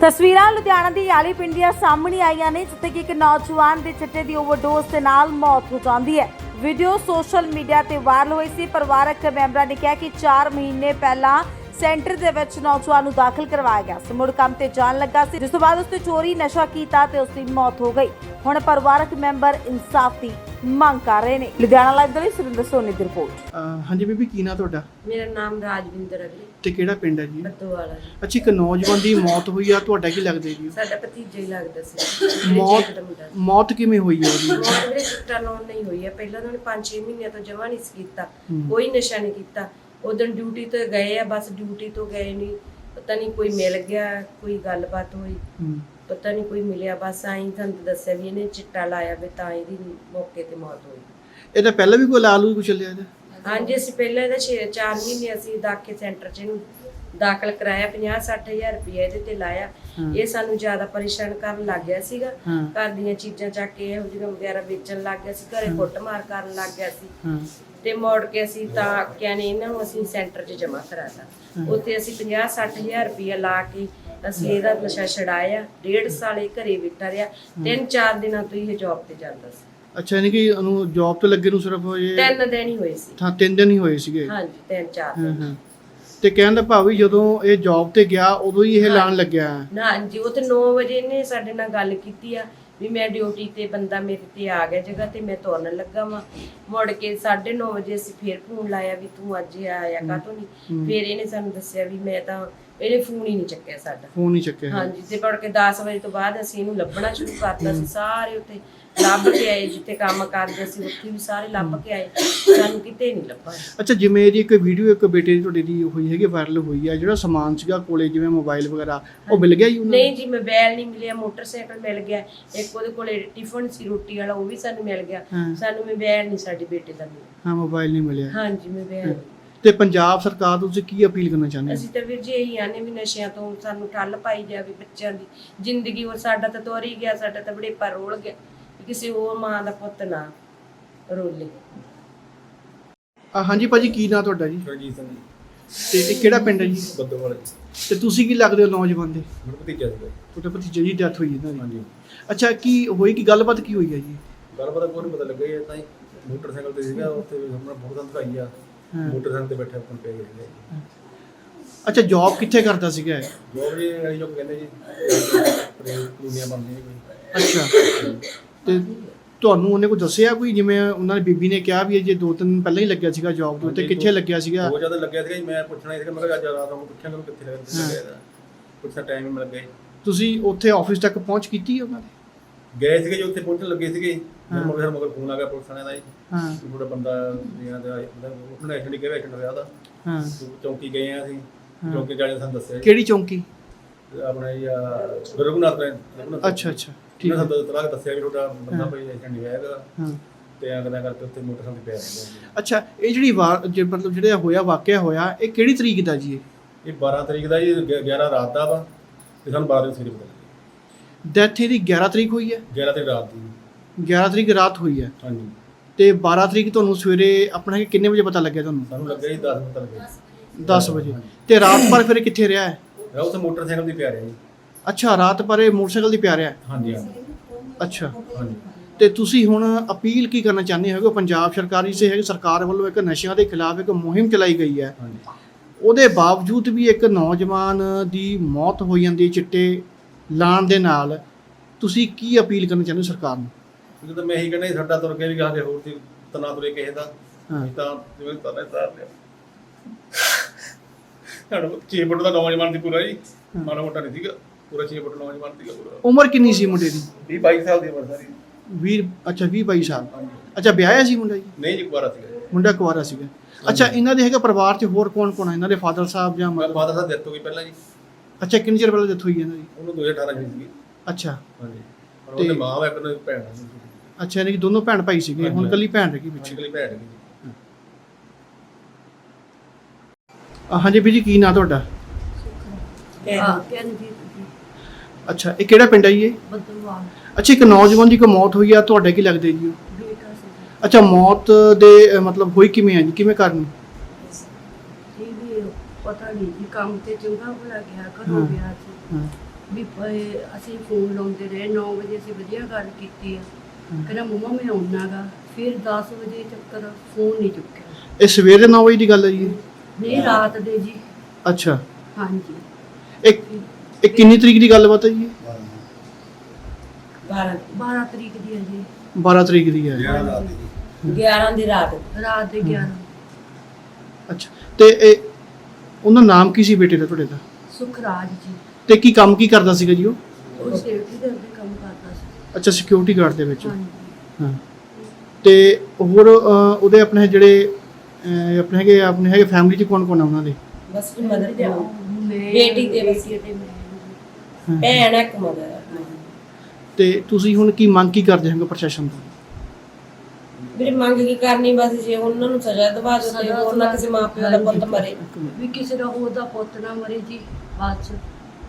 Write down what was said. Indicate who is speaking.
Speaker 1: ਤਸਵੀਰਾਂ ਲੁਧਿਆਣਾ ਦੀ ਯਾਲੀ ਪਿੰਡ ਦੀਆਂ ਸਾਹਮਣੇ ਆਈਆਂ ਨੇ ਜਿੱਥੇ ਕਿ ਇੱਕ ਨੌਜਵਾਨ ਦੇ ਚਿੱਟੇ ਦੀ ਓਵਰਡੋਜ਼ ਦੇ ਨਾਲ ਮੌਤ ਹੋ ਜਾਂਦੀ ਹੈ। ਵੀਡੀਓ ਸੋਸ਼ਲ ਮੀਡੀਆ ਤੇ ਵਾਇਰਲ ਹੋਈ ਸੀ। ਪਰਿਵਾਰਕ ਮੈਂਬਰਾਂ ਨੇ ਕਿਹਾ ਕਿ 4 ਮਹੀਨੇ ਪਹਿਲਾਂ ਸੈਂਟਰ ਦੇ ਵਿੱਚ ਨੌਜਵਾਨ ਨੂੰ ਦਾਖਲ ਕਰਵਾਇਆ ਗਿਆ ਸੀ। ਮੁੜ ਕੰਮ ਤੇ ਜਾਣ ਲੱਗਾ ਸੀ, ਜਿਸ ਤੋਂ ਬਾਅਦ ਉਸਨੇ ਚੋਰੀ ਨਸ਼ਾ ਕੀਤਾ ਤੇ ਉਸਦੀ ਮੌਤ ਹੋ ਗਈ। ਹੁਣ ਪਰਿਵਾਰਕ ਮੈਂਬਰ ਇਨਸਾਫ ਦੀ ਮੰਗ ਕਰ ਰਹੇ ਨੇ। ਲੁਧਿਆਣਾ ਲਾਈਵ ਲਈ ਸੁਰਿੰਦਰ ਸੋਨੀ ਦੀ ਰਿਪੋਰਟ।
Speaker 2: ਹਾਂਜੀ ਬੀਬੀ, ਕੀ ਨਾਂ ਤੁਹਾਡਾ?
Speaker 3: ਮੇਰਾ ਨਾਮ ਰਾਜਵਿੰਦਰ ਹੈ ਜੀ।
Speaker 2: ਤੇ ਕਿਹੜਾ ਪਿੰਡ ਹੈ ਜੀ?
Speaker 3: ਬੱਦੋਵਾਲਾ।
Speaker 2: ਅੱਛਾ, ਇੱਕ ਨੌਜਵਾਨ ਦੀ ਮੌਤ ਹੋਈ ਆ, ਤੁਹਾਡਾ ਕੀ ਲੱਗਦਾ ਜੀ?
Speaker 3: ਸਾਡਾ ਭਤੀਜਾ ਹੀ ਲੱਗਦਾ ਸੀ।
Speaker 2: ਮੌਤ ਕਿਵੇਂ ਹੋਈ ਹੈ ਉਹਦੀ?
Speaker 3: ਮੌਤ ਮੇਰੇ ਚਿੱਟਾ ਲਾਉਣ ਨਹੀਂ ਹੋਈ ਹੈ। ਪਹਿਲਾਂ ਉਹਨਾਂ ਨੇ 5-6 ਮਹੀਨਿਆਂ ਤੋਂ ਜਮਾ ਨਹੀਂ ਸੀ ਕੀਤਾ, ਕੋਈ ਨਸ਼ਾ ਨਹੀਂ ਕੀਤਾ। ਉਦੋਂ ਡਿਊਟੀ ਤੇ ਗਏ ਆ, ਬਸ ਡਿਊਟੀ ਤੋਂ ਗਏ ਨਹੀਂ, ਪਤਾ ਨਹੀਂ ਕੋਈ ਮਿਲ ਗਿਆ, ਕੋਈ ਗੱਲਬਾਤ ਹੋਈ, ਪਤਾ ਨਹੀਂ ਕੋਈ ਮਿਲਿਆ, ਬਸ ਆਈ ਤੁਹਾਨੂੰ ਦੱਸਿਆ ਵੀ ਇਹਨੇ ਚਿੱਟਾ ਲਾਇਆ ਵੀ ਤਾਂ ਇਹਦੀ ਮੌਕੇ ਤੇ ਮੌਤ ਹੋਈ।
Speaker 2: ਇਹਦਾ ਪਹਿਲਾਂ ਵੀ ਕੋਈ ਲਾਲੂ ਕੁਛ ਚੱਲਿਆ ਇਹਦਾ?
Speaker 3: ਹਾਂਜੀ, ਅਸੀਂ ਪਹਿਲਾਂ ਇਹਦਾ 4 ਮਹੀਨੇ ਅਸੀਂ ਦਾਖੇ ਸੈਂਟਰ 'ਚ ਇਹਨੂੰ ਦਾਖਲ ਕਰਾਇਆ। 50-60 ਹਜ਼ਾਰ ਰੁਪਇਆ ਇਹਦੇ ਤੇ ਲਾਇਆ। ਇਹ ਸਾਨੂੰ ਜ਼ਿਆਦਾ ਪਰੇਸ਼ਾਨ ਕਰਨ ਲੱਗ ਗਿਆ ਸੀਗਾ। ਘਰ ਦੀਆਂ ਚੀਜ਼ਾਂ ਚੱਕ ਕੇ ਇਹੋ ਜਿਹੀਆਂ ਵਗੈਰਾ ਵੇਚਣ ਲੱਗ ਗਿਆ ਸੀ, ਘਰੇ ਕੁੱਟਮਾਰ ਕਰਨ ਲੱਗ ਗਿਆ ਸੀ। ਤੇ ਮੋੜ ਕੇ ਅਸੀਂ ਤਾਂ ਕਹਿੰਦੇ ਇਹਨਾਂ ਨੂੰ ਅਸੀਂ ਸੈਂਟਰ 'ਚ ਜਮ੍ਹਾਂ ਕਰਾਤਾ। ਉੱਥੇ ਅਸੀਂ 50-60 ਹਜ਼ਾਰ ਰੁਪਇਆ ਲਾ ਕੇ ਅਸੀਂ ਇਹਦਾ ਨਸ਼ਾ ਛਡਾਇਆ। 1.5 ਸਾਲ ਇਹ ਘਰੇ ਬੈਠਾ ਰਿਹਾ। 3-4 ਦਿਨਾਂ ਤੋਂ ਇਹ ਜੌਬ ਤੇ ਜਾਂਦਾ ਸੀ।
Speaker 2: ਅੱਛਾ, ਯਾਨੀ ਕਿ ਉਹਨੂੰ ਜੌਬ ਤੇ ਲੱਗੇ ਨੂੰ ਸਿਰਫ ਇਹ
Speaker 3: 3 ਦਿਨ ਹੀ ਹੋਏ ਸੀ।
Speaker 2: ਹਾਂ, 3 ਦਿਨ ਹੀ ਹੋਏ ਸੀਗੇ।
Speaker 3: ਹਾਂਜੀ, 3-4 ਦਿਨ।
Speaker 2: ਤੇ ਕਹਿਣ ਦਾ ਭਾਵ ਵੀ ਜਦੋਂ ਇਹ ਜੌਬ ਤੇ ਗਿਆ ਉਦੋਂ ਹੀ ਇਹ ਲਾਣ ਲੱਗਿਆ?
Speaker 3: ਹਾਂਜੀ, ਉਹ ਤੇ 9 ਵਜੇ ਇਹਨੇ ਸਾਡੇ ਨਾਲ ਗੱਲ ਕੀਤੀ ਆ ਵੀ ਮੈਂ ਡਿਊਟੀ ਤੇ ਬੰਦਾ ਮੇਰੇ ਤੇ ਆ ਗਿਆ ਜਗ੍ਹਾ ਤੇ, ਮੈਂ ਤੁਰਨ ਲੱਗਾ ਵਾਂ। ਮੁੜ ਕੇ 9:30 ਵਜੇ ਅਸੀਂ ਫੇਰ ਫੋਨ ਲਾਇਆ ਵੀ ਤੂੰ ਅੱਜ ਆਇਆ ਕਾਹਤੋਂ ਨਹੀਂ। ਫੇਰ ਇਹਨੇ ਸਾਨੂੰ ਦੱਸਿਆ ਵੀ ਮੈਂ ਤਾਂ, ਇਹਨੇ ਫੋਨ ਹੀ ਨਹੀਂ ਚੱਕਿਆ ਸਾਡਾ।
Speaker 2: ਫੋਨ ਨਹੀਂ ਚੱਕਿਆ?
Speaker 3: ਹਾਂਜੀ। ਤੇ ਮੁੜ ਕੇ 10 ਵਜੇ ਤੋਂ ਬਾਅਦ ਅਸੀਂ ਇਹਨੂੰ ਲੱਭਣਾ ਸ਼ੁਰੂ ਕਰਤਾ ਸੀ। ਸਾਰੇ ਉੱਥੇ ਲੱਭ ਕੇ ਆਏ, ਜਿੱਥੇ ਕੰਮ ਕਰਦੇ ਸੀ ਉੱਥੇ ਵੀ ਸਾਰੇ ਲੱਭ ਕੇ ਆਏ, ਸਾਨੂੰ ਕਿਤੇ ਨਹੀਂ ਲੱਭਾ।
Speaker 2: ਅੱਛਾ, ਜਿਵੇਂ ਇਹਦੀ ਇੱਕ ਵੀਡੀਓ ਇੱਕ ਬੇਟੇ ਦੀ ਤੁਹਾਡੇ ਦੀ ਹੋਈ ਹੈਗੀ, ਵਾਇਰਲ ਹੋਈ ਆ, ਜਿਹੜਾ ਸਮਾਨ ਸੀਗਾ ਕੋਲੇ ਜਿਵੇਂ ਮੋਬਾਈਲ ਵਗੈਰਾ, ਉਹ ਮਿਲ ਗਿਆ ਜੀ ਉਹਨਾਂ ਨੂੰ?
Speaker 3: ਨਹੀਂ ਜੀ, ਮੋਬਾਈਲ ਨਹੀਂ ਮਿਲਿਆ, ਮੋਟਰਸਾਈਕਲ ਮਿਲ ਗਿਆ। ਇੱਕ ਉਹਦੇ ਕੋਲੇ ਟਿਫਨ ਸੀ ਰੋਟੀ ਵਾਲਾ, ਉਹ ਵੀ ਸਾਨੂੰ ਮਿਲ ਗਿਆ। ਸਾਨੂੰ ਮੋਬਾਈਲ ਨਹੀਂ ਸਾਡੇ ਬੇਟੇ ਦਾ ਮਿਲਿਆ।
Speaker 2: ਹਾਂ, ਮੋਬਾਈਲ ਨਹੀਂ ਮਿਲਿਆ।
Speaker 3: ਹਾਂਜੀ, ਮੋਬਾਈਲ।
Speaker 2: ਤੇ ਪੰਜਾਬ ਸਰਕਾਰ ਤੋਂ ਤੁਸੀਂ ਕੀ ਅਪੀਲ ਕਰਨਾ ਚਾਹੁੰਦੇ ਹੋ?
Speaker 3: ਅਸੀਂ ਤਾਂ ਵੀਰ ਜੀ ਇਹੀ ਆਨੇ ਵੀ ਨਸ਼ਿਆਂ ਤੋਂ ਸਾਨੂੰ ਠੱਲ ਪਾਈ ਜਾਵੇ। ਬੱਚਿਆਂ ਦੀ ਜ਼ਿੰਦਗੀ ਉਹ ਸਾਡਾ ਤਾਂ ਤੋਰ ਹੀ ਗਿਆ, ਸਾਡਾ ਤਾਂ ਬੜੇਪਾ ਰੋਲ ਗਿਆ। ਕਿਸੇ ਹੋਰ ਮਾਂ ਦਾ ਪੁੱਤ ਨਾ ਰੋਲੇ।
Speaker 2: ਹਾਂਜੀ ਭਾਜੀ, ਕੀ ਨਾਂ ਤੁਹਾਡਾ ਜੀ?
Speaker 4: ਰਣਜੀਤ ਸਿੰਘ ਜੀ।
Speaker 2: ਤੇ ਇਹ ਕਿਹੜਾ ਪਿੰਡ ਹੈ ਜੀ?
Speaker 4: ਬੱਦੋਵਾਲਾ ਜੀ।
Speaker 2: ਤੇ ਤੁਸੀਂ ਕੀ ਲੱਗਦੇ ਹੋ ਨੌਜਵਾਨ ਦੇ?
Speaker 4: ਮੇਰਾ ਭਤੀਜਾ ਸੀਗਾ।
Speaker 2: ਤੁਹਾਡੇ ਭਤੀਜੇ ਦੀ ਡੈਥ ਹੋਈ ਇਹਨਾਂ ਦੀ?
Speaker 4: ਹਾਂਜੀ।
Speaker 2: ਅੱਛਾ, ਕੀ ਹੋਈ, ਕੀ ਗੱਲਬਾਤ ਕੀ ਹੋਈ ਹੈ ਜੀ?
Speaker 4: ਗੱਲਬਾਤ ਕੋਈ ਨਹੀਂ ਪਤਾ ਲੱਗਾ ਜੀ। ਤਾਂ ਹੀ ਮੋਟਰਸਾਈਕਲ ਤੇ ਸੀਗਾ, ਉੱਥੇ ਆਪਣਾ ਬਹੁਤ ਦਿਖਾਈ ਆ, ਮੋਟਰਸਾਈਕਲ ਤੇ ਬੈਠਾ ਆਪਣ ਪੈ ਗਿਆ।
Speaker 2: ਅੱਛਾ, ਜੌਬ ਕਿੱਥੇ ਕਰਦਾ ਸੀਗਾ ਇਹ?
Speaker 4: ਜੋਬ ਜੀ ਇਹ ਜੋ ਕਹਿੰਦੇ ਜੀ ਕਲੋਨੀਆਂ ਬਣਦੀਆਂ ਕੋਈ।
Speaker 2: ਅੱਛਾ, ਤੇ ਤੁਹਾਨੂੰ ਉਹਨੇ ਕੋਈ ਦੱਸਿਆ ਕੋਈ, ਜਿਵੇਂ ਉਹਨਾਂ ਨੇ ਬੀਬੀ ਨੇ ਕਿਹਾ ਵੀ ਇਹ ਜੇ 2 ਦਿਨ ਪਹਿਲਾਂ ਹੀ ਲੱਗਿਆ ਸੀਗਾ ਜੌਬ ਦੇ ਉੱਤੇ, ਕਿੱਥੇ ਲੱਗਿਆ ਸੀਗਾ?
Speaker 4: ਬਹੁਤ ਜ਼ਿਆਦਾ ਲੱਗਿਆ ਸੀਗਾ ਜੀ। ਮੈਂ ਪੁੱਛਣਾ ਸੀਗਾ, ਮੈਂ ਕਿਹਾ ਅੱਜ ਰਾਤ ਨੂੰ ਪੁੱਛਾਂਗਾ ਕਿੱਥੇ ਲੱਗਿਆ, ਪੁੱਛਣਾ ਟਾਈਮ ਹੀ ਮਿਲ ਗਿਆ।
Speaker 2: ਤੁਸੀਂ ਉੱਥੇ ਆਫਿਸ ਤੱਕ ਪਹੁੰਚ ਕੀਤੀ ਉਹਨਾਂ ਦੇ?
Speaker 4: ਗਏ ਸੀਗੇ ਜੀ, ਉੱਥੇ ਪਹੁੰਚਣ ਲੱਗੇ ਸੀਗੇ। ਮਗਰ ਫੋਨ ਆ ਗਿਆ ਪੁਲਿਸ ਵਾਲਿਆਂ ਦਾ ਜੀ।
Speaker 2: ਹਾਂ,
Speaker 4: ਥੋੜਾ ਬੰਦਾ ਉਹਨਾਂ ਐਕਸੀਡੈਂਟ ਕਿਹਾ, ਐਕਸੀਡੈਂਟ ਹੋਇਆ ਉਹਦਾ।
Speaker 2: ਹਾਂ,
Speaker 4: ਚੌਂਕੀ ਗਏ ਆ ਅਸੀਂ, ਚੌਂਕੀ ਜਾਣੇ ਸਾਨੂੰ ਦੱਸਿਆ।
Speaker 2: ਕਿਹੜੀ ਚੌਂਕੀ?
Speaker 4: ਆਪਣਾ ਜੀ ਰਘੁਨਾਥ।
Speaker 2: ਅੱਛਾ ਅੱਛਾ, ਠੀਕ ਹੈ।
Speaker 4: ਸਾਨੂੰ ਤਲਾਕ ਦੱਸਿਆ ਵੀ ਤੁਹਾਡਾ ਬੰਦਾ ਕੋਈ ਐਕਸੀਡੈਂਟ ਹੋਇਆ ਹੈਗਾ।
Speaker 2: ਹਾਂ,
Speaker 4: ਤੇ ਅਗਲਾ ਕਰਕੇ ਉੱਥੇ ਮੋਟਰਸਾਈਕਲ ਤੇ ਪਿਆ ਰਹਿੰਦਾ।
Speaker 2: ਅੱਛਾ, ਇਹ ਜਿਹੜੀ ਮਤਲਬ ਜਿਹੜਾ ਹੋਇਆ ਵਾਕਿਆ ਹੋਇਆ, ਇਹ ਕਿਹੜੀ ਤਰੀਕ ਦਾ ਜੀ?
Speaker 4: ਇਹ 12 ਤਰੀਕ ਦਾ ਜੀ, 11 ਰਾਤ ਦਾ ਵਾ, ਤੇ ਸਾਨੂੰ 12 ਤਰੀਕ ਸਵੇਰੇ ਪਤਾ ਲੱਗਿਆ।
Speaker 2: ਡੈਥ ਇਹਦੀ 11 ਤਰੀਕ ਹੋਈ ਹੈ?
Speaker 4: 11 ਤਰੀਕ ਰਾਤ ਦੀ।
Speaker 2: 11 ਤਰੀਕ ਰਾਤ ਹੋਈ ਹੈ।
Speaker 4: ਹਾਂਜੀ।
Speaker 2: ਤੇ 12 ਤਰੀਕ ਤੁਹਾਨੂੰ ਸਵੇਰੇ ਆਪਣਾ ਕਿੰਨੇ ਵਜੇ ਪਤਾ ਲੱਗਿਆ ਤੁਹਾਨੂੰ?
Speaker 4: ਸਾਨੂੰ ਲੱਗਿਆ ਜੀ 10 ਪਤਾ ਲੱਗਿਆ।
Speaker 2: 10 ਵਜੇ। ਤੇ ਰਾਤ ਭਰ ਫਿਰ ਕਿੱਥੇ ਰਿਹਾ ਹੈ?
Speaker 4: ਰਾਤ ਉੱਥੇ ਮੋਟਰਸਾਈਕਲ ਤੇ ਪਿਆ ਰਿਹਾ ਜੀ।
Speaker 2: ਅੱਛਾ, ਰਾਤ ਭਰ ਇਹ ਮੋਟਰਸਾਈਕਲ ਤੇ ਪਿਆ ਰਿਹਾ?
Speaker 4: ਹਾਂਜੀ ਹਾਂਜੀ।
Speaker 2: ਅੱਛਾ,
Speaker 4: ਹਾਂਜੀ।
Speaker 2: ਤੇ ਤੁਸੀਂ ਹੁਣ ਅਪੀਲ ਕੀ ਕਰਨਾ ਚਾਹੁੰਦੇ ਹੋ? ਪੰਜਾਬ ਸਰਕਾਰ ਵੱਲੋਂ ਇੱਕ ਨਸ਼ਿਆਂ ਦੇ ਖਿਲਾਫ ਇੱਕ ਮੁਹਿੰਮ ਚਲਾਈ ਗਈ ਹੈ,
Speaker 4: ਹਾਂਜੀ।
Speaker 2: ਉਹਦੇ ਬਾਵਜੂਦ ਵੀ ਇੱਕ ਨੌਜਵਾਨ ਦੀ ਮੌਤ ਹੋ ਜਾਂਦੀ ਚਿੱਟੇ ਲਾਣ ਦੇ ਨਾਲ, ਤੁਸੀਂ ਕੀ ਅਪੀਲ ਕਰਨਾ ਚਾਹੁੰਦੇ ਹੋ ਸਰਕਾਰ ਨੂੰ?
Speaker 4: ਕਿਉਂਕਿ ਤਾਂ ਮੈਂ ਇਹੀ ਕਹਿੰਦਾ ਸਾਡਾ ਤੁਰ ਕੇ ਵੀ ਕਹਾਂਗੇ ਹੋਰ ਦੀ ਤਨਾ ਤੁਰੇ ਕਿਸੇ ਦਾ।
Speaker 2: ਹਾਂ,
Speaker 4: ਤਾਂ ਜਿਵੇਂ ਤਾਰੇ ਤਾਰ ਲਿਆ ਸਾਡਾ 6 ਫੁੱਟ ਦਾ ਨੌਜਵਾਨ ਸੀ ਪੂਰਾ ਜੀ। ਮਾੜਾ ਮੋਟਾ ਨਹੀਂ ਸੀਗਾ, ਪੂਰਾ 6 ਫੁੱਟ ਨੌਜਵਾਨ ਸੀਗਾ ਪੂਰਾ।
Speaker 2: ਉਮਰ ਕਿੰਨੀ ਸੀ ਮੁੰਡੇ ਦੀ?
Speaker 4: 20-22 ਸਾਲ ਦੀ ਉਮਰ ਸਾਰੀ।
Speaker 2: 20? ਅੱਛਾ, 20-22 ਸਾਲ।
Speaker 4: ਹਾਂਜੀ।
Speaker 2: ਅੱਛਾ, ਵਿਆਹਿਆ ਸੀ ਮੁੰਡਾ ਜੀ?
Speaker 4: ਨਹੀਂ ਜੀ, ਕੁਆਰਾ ਸੀਗਾ।
Speaker 2: ਮੁੰਡਾ ਕੁਆਰਾ ਸੀਗਾ। ਅੱਛਾ, ਇਹਨਾਂ ਦੇ ਹੈਗਾ ਪਰਿਵਾਰ 'ਚ ਹੋਰ ਕੌਣ ਕੌਣ ਹੈ? ਇਹਨਾਂ ਦੇ ਫਾਦਰ ਸਾਹਿਬ ਜਾਂ
Speaker 4: ਮੇਰਾ ਫਾਦਰ ਸਾਹਿਬ ਡੈਥ ਹੋ ਗਈ ਪਹਿਲਾਂ ਜੀ।
Speaker 2: ਅੱਛਾ, ਕਿੰਨੇ ਚਿਰ ਪਹਿਲਾਂ ਡੈਥ ਹੋਈ ਇਹਨਾਂ ਦੀ?
Speaker 4: ਉਹਨੂੰ 2018 ਚ ਸੀਗੀ।
Speaker 2: ਅੱਛਾ।
Speaker 4: ਹਾਂਜੀ। ਪਰ ਉਹਦੇ ਮਾਂ ਵਾ, ਇੱਕ ਉਹਦੀ ਭੈਣ ਸੀ।
Speaker 2: ਅੱਛਾ, ਯਾਨੀ ਕਿ ਦੋਨੋਂ ਭੈਣ ਭਾਈ ਸੀਗੇ, ਹੁਣ ਇਕੱਲੀ ਭੈਣ ਰਹਿ ਗਈ ਪਿੱਛੇ?
Speaker 4: ਇਕੱਲੀ ਭੈਣ ਹੈਗੀ ਜੀ।
Speaker 2: ਹਾਂਜੀ ਵੀਰ ਜੀ, ਕੀ ਨਾਂ ਤੁਹਾਡਾ?
Speaker 3: ਕਹਿੰਦੀ
Speaker 2: ਅੱਛਾ, ਇਹ ਕਿਹੜਾ ਪਿੰਡ ਹੈ ਜੀ ਇਹ?
Speaker 3: ਬੱਦੋਵਾਲਾ।
Speaker 2: ਅੱਛਾ, ਇੱਕ ਨੌਜਵਾਨ ਦੀ ਕੋਈ ਮੌਤ ਹੋਈ ਆ, ਤੁਹਾਡੇ ਕੀ ਲੱਗਦੇ ਜੀ ਉਹ?
Speaker 3: ਬੇਟਾ ਸੀ।
Speaker 2: ਅੱਛਾ, ਮੌਤ ਦੇ ਮਤਲਬ ਹੋਈ ਕਿਵੇਂ ਆ ਜੀ, ਕਿਵੇਂ ਕਾਰਨ?
Speaker 3: ਇਹ ਵੀ ਪਤਾ ਨਹੀਂ ਜੀ, ਕੰਮ ਤੇ ਚੰਗਾ ਭਲਾ ਗਿਆ, ਘਰੋਂ ਗਿਆ ਸੀ।
Speaker 5: ਵੀ ਅਸੀਂ ਫੋਨ ਲਾਉਂਦੇ ਰਹੇ 9 ਵਜੇ ਅਸੀਂ ਵਧੀਆ ਗੱਲ ਕੀਤੀ ਆ ਕਹਿੰਦਾ ਮੰਮਾ ਮੈਂ ਆਉਣਾ ਗਾ ਫਿਰ 10 ਵਜੇ ਤੱਕ ਫੋਨ ਨਹੀਂ ਚੁੱਕਿਆ।
Speaker 2: ਇਹ ਸਵੇਰੇ 9 ਵਜੇ ਦੀ ਗੱਲ ਹੈ ਜੀ?
Speaker 5: ਨਹੀਂ ਰਾਤ ਦੇ ਜੀ।
Speaker 2: ਅੱਛਾ,
Speaker 5: ਹਾਂਜੀ
Speaker 2: ਇਹ ਕਿੰਨੀ ਤਰੀਕ ਦੀ ਗੱਲਬਾਤ ਹੈ ਜੀ?
Speaker 5: 12 ਤਰੀਕ ਦੀ ਹੈ ਜੀ।
Speaker 2: 12 ਤਰੀਕ ਦੀ ਹੈ।
Speaker 3: 11 ਦੀ ਰਾਤ
Speaker 5: ਰਾਤ ਦੇ 11।
Speaker 2: ਅੱਛਾ, ਤੇ ਇਹ ਉਹਦਾ ਨਾਮ ਕੀ ਸੀ ਬੇਟੇ ਦਾ ਤੁਹਾਡੇ ਦਾ?
Speaker 5: ਸੁਖਰਾਜ ਜੀ।
Speaker 2: ਤੇ ਕੀ ਕੰਮ ਕੀ ਕਰਦਾ ਸੀਗਾ ਜੀ ਉਹ?
Speaker 5: ਉਹ ਸੇਫਟੀ ਦੇ ਅੱਗੇ ਕੰਮ ਕਰਦਾ ਸੀ।
Speaker 2: ਅੱਛਾ, ਸਿਕਿਉਰਿਟੀ ਗਾਰਡ ਦੇ ਵਿੱਚ।
Speaker 5: ਹਾਂਜੀ
Speaker 2: ਹਾਂ, ਤੇ ਹੋਰ ਉਹਦੇ ਆਪਣੇ ਜਿਹੜੇ ਆਪਣੇ ਹੈਗੇ ਫੈਮਿਲੀ ਚ ਕੌਣ ਕੌਣ ਆ ਉਹਨਾਂ ਦੇ?
Speaker 3: ਬਸ ਮਦਰ ਦੇ
Speaker 5: ਮੈਂ
Speaker 3: ਬੇਟੀ ਤੇ ਬਸ
Speaker 5: ਤੇ ਮੈਂ
Speaker 2: ਹਾਂ।
Speaker 3: ਭੈਣ ਇੱਕ ਮਦਰ।
Speaker 2: ਤੇ ਤੁਸੀਂ ਹੁਣ ਕੀ ਮੰਗ ਕੀ ਕਰਦੇ ਹੋਗੇ ਪ੍ਰਸ਼ਾਸਨ ਤੋਂ?
Speaker 3: ਵੀਰੇ ਮੰਗ ਕੀ ਕਰਨੀ, ਬਸ ਜੇ ਉਹਨਾਂ ਨੂੰ ਸਜ਼ਾ ਦਵਾ ਦਿਓ ਤੇ ਹੋਰ ਨਾ ਕਿਸੇ ਮਾਪਿਓ ਦਾ ਪੁੱਤ ਮਰੇ।
Speaker 5: ਵੀ ਕਿਸੇ ਦਾ ਹੋਰ ਦਾ ਪੁੱਤ ਨਾ ਮਰੇ ਜੀ ਬਾਅਦ ਚ।